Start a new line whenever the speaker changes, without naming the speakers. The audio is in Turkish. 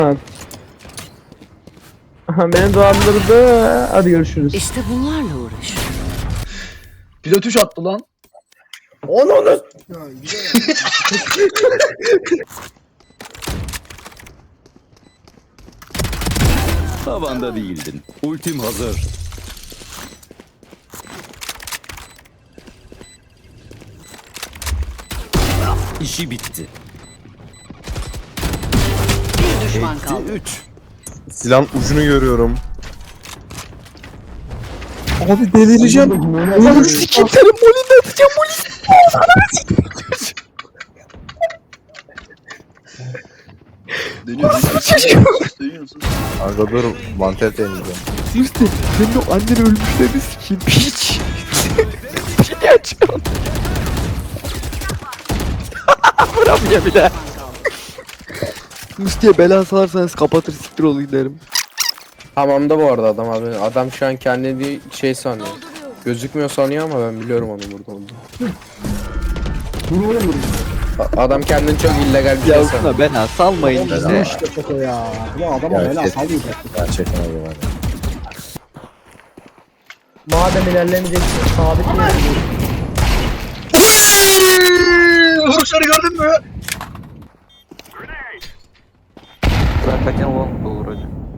Aha, beni dolandırdı. Hadi görüşürüz.
İşte bunlarla uğraş.
Pilot 3 attı lan.
Onu.
Ya güzel ya.
Tavanda değildin. Ultim hazır. İşi bitti.
Bir düşman kaldı.
3.
Silahın ucunu görüyorum.
Abi delireceğim. Oğlum sikim senin molini atacağım molini.
Dönüyorsun.
Kanka dur mantel deneyeceğim.
Sirte senin o annen ölmüşlerini sikeyim. Piç. Pili açıyorum. Vuramıyor bile. Musti'ye bela salarsanız kapatır siktir olayım derim.
Hamamda bu arada adam abi. Adam şu an kendini şey sanıyor. Gözükmüyor sanıyor ama ben biliyorum onun burada olduğunu. Adam kendini çok illegal bir şey sanıyor.
Yavşına bela salmayın
Bu
işte.
işte foto ya. Bu adama
Ya,
bela
kes.
salmayacak.
Gerçekten öyle var.
Madem ilerlemeyeceksin sabit mi?
Vuruşları gördün mü?
Ben kaçan olur hocam.